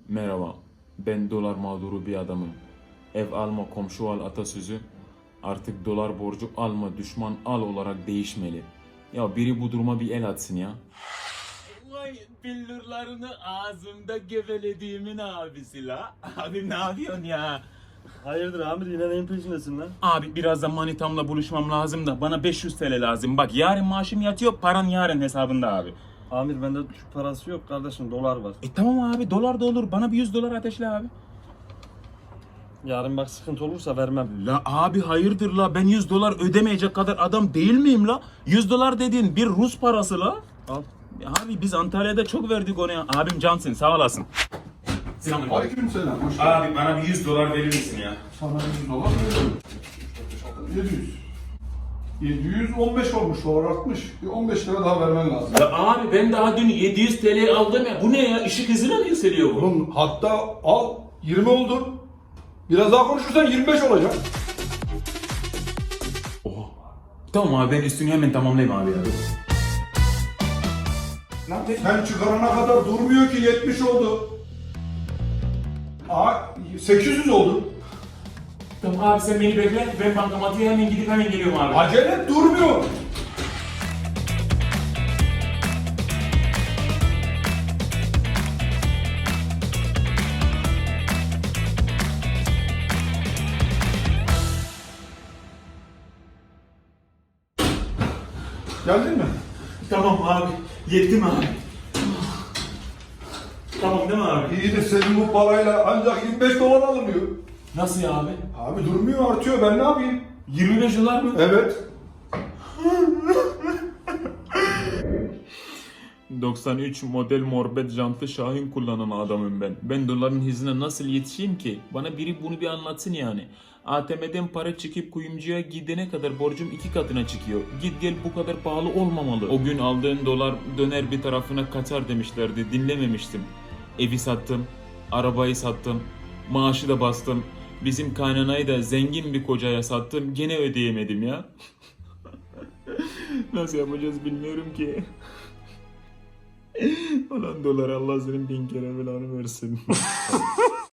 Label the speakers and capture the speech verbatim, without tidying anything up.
Speaker 1: Merhaba, ben dolar mağduru bir adamım. Ev alma komşu al atasözü artık dolar borcu alma düşman al olarak değişmeli. Ya biri bu duruma bir el atsın ya.
Speaker 2: Vay billurlarını ağzımda gevelediğimin abisi la. Abi ne yapıyorsun ya?
Speaker 3: Hayırdır Amir, yine neyin peşindesin lan?
Speaker 2: Abi birazdan manitamla buluşmam lazım da bana beş yüz T L lazım. Bak yarın maaşım yatıyor, paran yarın hesabında abi.
Speaker 3: Amir, bende Türk parası yok kardeşim, dolar var.
Speaker 2: E tamam abi, dolar da olur. Bana bir yüz dolar ateşle abi.
Speaker 3: Yarın bak sıkıntı olursa vermem.
Speaker 2: La abi hayırdır la, ben yüz dolar ödemeyecek kadar adam değil miyim la? yüz dolar dediğin bir Rus parası la.
Speaker 3: Al.
Speaker 2: Ya abi biz Antalya'da çok verdik ona ya. Abim cansın, sağ olasın. Selamünaleyküm.
Speaker 4: Aleykümselam. Hoş geldin.
Speaker 2: Abi bana bir yüz dolar verir misin ya?
Speaker 4: Sana yüz dolar veriyorum. yedi yüz. yedi yüz on beş olmuş, dolar artmış. Bir on beş lira daha vermen lazım.
Speaker 2: Ya abi ben daha dün yedi yüz T L aldım ya. Bu ne ya? Işık hızıyla mı yükseliyor bu?
Speaker 4: Oğlum hatta al yirmi oldu. Biraz daha konuşursan yirmi beş olacak.
Speaker 2: Oha. Tamam abi, ben üstünü hemen tamamlayayım abi ya.
Speaker 4: Lan sen çıkarana kadar durmuyor ki, yetmiş oldu. Aa sekiz yüz oldu.
Speaker 2: Tamam abi sen beni bekle. Ben bankamatiğe hemen gidip hemen geliyorum abi.
Speaker 4: Acele et, durmuyor. Geldin mi?
Speaker 2: Tamam abi. Yettim abi. Tamam değil mi abi?
Speaker 4: İyi de senin bu parayla ancak yirmi beş dolar alınıyor.
Speaker 2: Nasıl ya abi?
Speaker 4: Abi durmuyor, artıyor, ben ne yapayım?
Speaker 2: yirmi beş dolar mı?
Speaker 4: Evet.
Speaker 1: doksan üç model morbet jantlı Şahin kullanan adamım ben. Ben doların hızına nasıl yetişeyim ki? Bana biri bunu bir anlatsın yani. A T M'den para çekip kuyumcuya gidene kadar borcum iki katına çıkıyor. Git gel bu kadar pahalı olmamalı. O gün aldığın dolar döner bir tarafına kaçar demişlerdi. Dinlememiştim. Evi sattım, arabayı sattım, maaşı da bastım. Bizim kaynanayı da zengin bir kocaya sattım. Gene ödeyemedim ya. Nasıl yapacağız bilmiyorum ki. Ulan dolar Allah senin bin kere belanı versin.